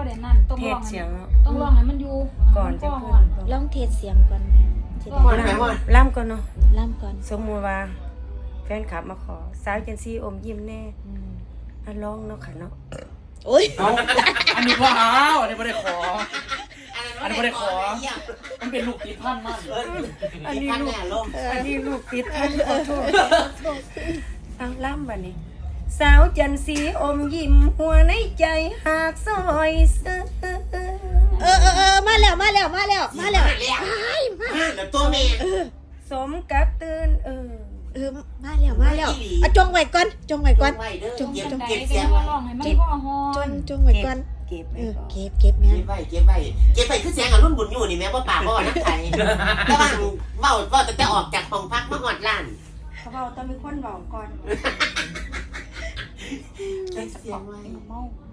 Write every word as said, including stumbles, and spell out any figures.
บ่ได้นั่นต้องเทร้ศองเสียงต้องร้องให้มันอยู่ก่อนจะก่ขึ้อนนลองเทสเสียงก่อนสิก่อนได้ล่ำก่อนเนาะล่ำก่อนสมมุติว่าแฟนคลับมาขอสาวจันซีอมยิ้มแน่อืมอ่ะร้องเนาะค่ะเนาะโอ้ยเอาอันนี้ว่าอ้าวอันนี้ไม่ได้ขอ อันนี้ไม่ได้ขอ มันเป็นลูกติดพันมากอันนี้ลูกอันนี้ลูกติดท่านขอโทษเอาล่ำบัดนี้ สาวจันซีอมยิ้มหัวในใจหากซอยซื้อเออเออเออมาแล้วมาแล้วมาแล้วมาแล้วแล้วตัวแม่สมกับตื่นเออเออมาแล้วมาแล้วอ่ะจงไว้ก่อนจงไว้ก่อนไว้เด้อจงเก็บจงเก็บเสีเสียยงงร้องให้มันพ่อฮอจงนจงไว้ก่อนเก็บเอไว้อก่อนเก็บเก็บแม่เก็บไว้เก็บไว้เก็บไว้คือเสียงอรุ่นบุญอยู่นี่แม่ว่าป่าบ่น้ำไทยแต่ว่าเว้าเว้าแต่จะออกจากห้องพักมาฮอดร้านเขาบอกต้องมีคนบอกก่อนเก็บเสียงไว้เมา